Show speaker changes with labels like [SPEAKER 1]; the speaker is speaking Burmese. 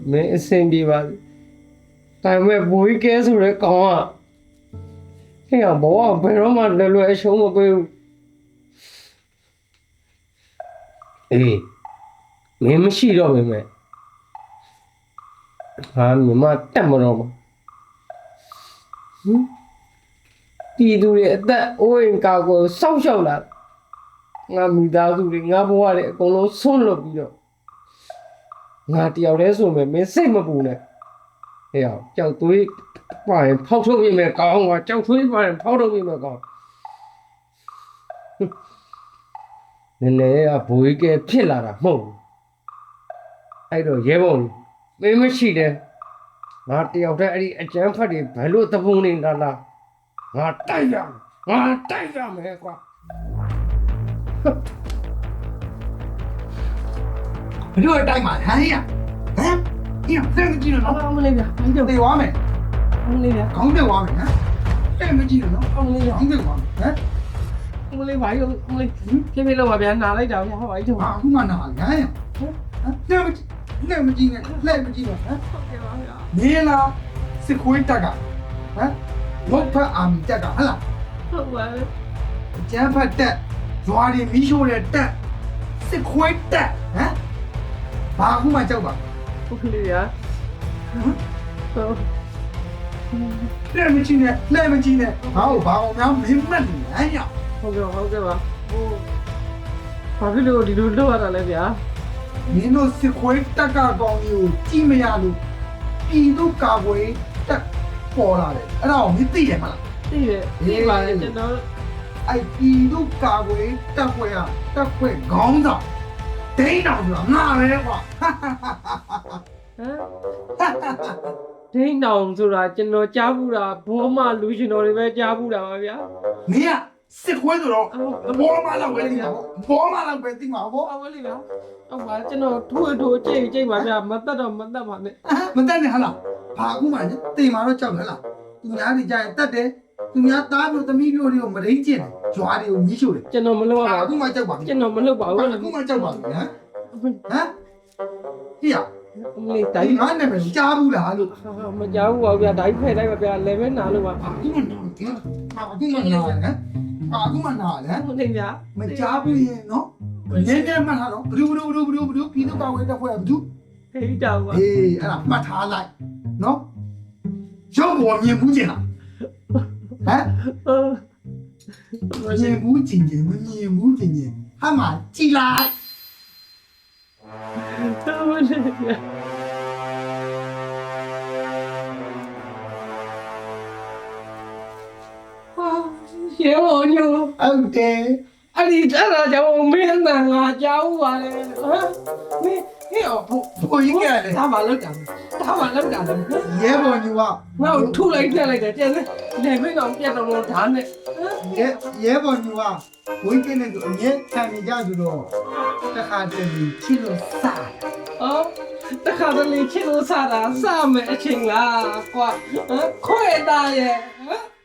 [SPEAKER 1] မင်းအဆင်ပြေပါဒါပေမဲ့ဘိုးကြီးကဲဆိုတဲ့ကောင်ကဟဲ့ဘောကဘယ်တော့မှလွယ်အရှုံးမပေးဘူးအေးမင်းမရှိတော့ပဲမဲ့ဟာမြမတက်မတော့ဘူးပြည်သူတွေအသက်အိုးအိမ်ကာကိုစောက်ရှောက်လာငါမိသားစုတွေငါဘဝတွေအကုန်လုံးဆွန့်လွတ်ပြီးတော့ငါတယောက်တည်းဆိုမယ်မင်းစိတ်မပူနဲ့ဟဲ့အောင်ကြောက်သွေးပါရင်ဖောက်ထုတ်ပြမယ်ကောင်းကကြောက်သွေးပါရင်ဖောက်ထုတ်ပြမယ်ကောင်းနည်းနည်းကဘိုးကြီးကဖြစ်လာတာမဟုတ်ဘူးအဲ့တော့ရဲဘော်မင်းမရှိတယ်ငါတယောက်တည်းအဲ့ဒီအကျန်းဖတ်တွေဘယ်လိုသဘုံနေလားငါတိုက်ရမယ်ကွာ
[SPEAKER 2] ဘယ်လိုတိုက်မှာဟမ်ရဟမ်ညတဲ့မကြည့်လို့နော်
[SPEAKER 1] အောင်မလေးဗျာဘာကြောက်
[SPEAKER 2] တေသွားမယ်
[SPEAKER 1] အောင်မလေးဗျာ
[SPEAKER 2] ခေါင်းတက်သွားမယ်ဟမ်တဲ့မကြည့်လို့နော်
[SPEAKER 1] အောင်မလေးဗျာ
[SPEAKER 2] ခေါင်းတက်သွားမယ်ဟမ်
[SPEAKER 1] အောင်မလေးဘာကြောက်အောင်မလေးပြေးပြေးလောက်ပါဗျာနာလိုက်တာဗျာဟာဘာကြောက်
[SPEAKER 2] အခုမှနာဟမ်ရတဲ့မကြည့်နဲ့မကြည့်နဲ့လက်မကြည့်တော့ဟမ်
[SPEAKER 1] ဟုတ်ကဲ့ပါဗျာ
[SPEAKER 2] နေလားစစ်ခွေးတက်ကဟမ်ဘုတ်ဖတ်အာမီတက်ကဟလား
[SPEAKER 1] ဟုတ်ပါဘူး
[SPEAKER 2] ကျန်းဖတ်တက်ဇွာတွေမီးရှို့တဲ့တက်စစ်ခွေးတက်ဟမ်ဘာအခုမှကြောက်ပါ
[SPEAKER 1] ဟုတ်ကဲ့ဗျာဟုတ်
[SPEAKER 2] လက်မကြည့်နဲ့လက်မကြည့်နဲ့ဟောဘာအောင်များမင်းမက်နေဟမ်ရ
[SPEAKER 1] ဟုတ်ကဲ့ပါဟိုဘာဖြစ်လို့ဒီလိုလုပ်ရတာလဲဗျာ
[SPEAKER 2] မင်းတို့စစ်ခွေးတက်ကကောင်ကြီးကိုကြည့်မရလို့ပြည်သူကာကွယ်တက်ပေါ်လာတယ်အဲ့ဒါကိုမင်းသိတယ်မလား
[SPEAKER 1] သိတယ်သိပါတယ်ကျွန်တော်
[SPEAKER 2] အဲ့ပြည်သူကာကွယ်တက်ခွဲကတက်ခွဲခေါင်းဆောင်ဒိန်းတော်ဆိုတာငါပဲကွာ
[SPEAKER 1] ဟမ်ဒိန်းတောင်ဆိုတာကျွန်တော်ကြားဘူးတာဘောမလူရှင်တော်တွေပဲကြားဘူးတာပါဗျာ
[SPEAKER 2] မင်းကစစ်ခွေးဆိုတော့ဘောမလောက်ပဲသိမှာဘောမလောက်ပဲသိမှာဘော
[SPEAKER 1] အောင်မလေးဗျာဟုတ်ပါကျွန်တော်ထိုးကြိတ်ပါဗျာမတတ်တော့မတတ်ပါနဲ့
[SPEAKER 2] မတက်နဲ့ဟလားဘာအခုမှတင်มาတော့ကြောက်ဟလားသူများတွေကြာရင်တက်တယ်သူများသားမျိုးသမီးမျိုးတွေကိုမရင်းကျင်တယ်ဂျွာတွေကိုမြှိရှို့တယ်
[SPEAKER 1] ကျွန်တော်မလုပ်ရပါ
[SPEAKER 2] အခု
[SPEAKER 1] ဘူး
[SPEAKER 2] မှကြောက်ပါပြီ
[SPEAKER 1] ကျွန်တော်မလုပ်ပါဘူး
[SPEAKER 2] အခုမှကြောက်ပါပြီဟမ်ဟမ်ဟိယ
[SPEAKER 1] အမလေး
[SPEAKER 2] တို
[SPEAKER 1] တိုင်း
[SPEAKER 2] င်ငါနဲ့ပဲကြားဘူးလားလို့
[SPEAKER 1] မကြောက်ဘူးပါဗျာဒိုင်းဖဲတိုင်းပါဗျာလေပဲနာလို့ပါ
[SPEAKER 2] အခုမှနာတယ်အခုမှနာတယ်
[SPEAKER 1] ဟုတ်နေဗျာ
[SPEAKER 2] မကြားဘူးရင်နော်နည်းနည်းမှတ်ထားတော့ဘဒူပြည်သူ့ကောင်းဝဲတက်ဖွဲ့ဘဒူ
[SPEAKER 1] ဟေးတောင်ပါ
[SPEAKER 2] အေးအဲ့ဒါမှတ်ထားလိုက်နော်ရုပ်ပေါ်မြင်ဘူးကျင်လားဟမ် မြင်ဘူးကျင်မမြင်ဘူးကျင်ဟာမကြည်လိုက်
[SPEAKER 1] တော်ပါလေဗျာရေဘောညို
[SPEAKER 2] ဟုတ်တယ်
[SPEAKER 1] အဲ့ဒီအဲ့ဒါကြောင့်မင်းနဲ့ငါကြောက်ပါလေဟမ်မင်းဟဲ့ဘို့
[SPEAKER 2] ဘိုးကြီးကလည်း
[SPEAKER 1] ဒါမှလောက်တာဒါမှလောက်တာလေ
[SPEAKER 2] ရဲဘော်ညူက
[SPEAKER 1] ငါ့ကိုထုလိုက်ပြက်လိုက်တယ်ကျန်တယ်လေမင်းတော့ပြက်တော့လို့ဓာတ်နဲ့
[SPEAKER 2] ရဲဘော်ညူကဝင်းကင်းနဲ့အမြဲခံနေကြဆိုတော့တခါတည်းချစ်လို့စား
[SPEAKER 1] အော်တခါတလေချစ်လို့စားတာစားမယ်အချိန်လားကွာခွဲတာရဲ့ဟမ်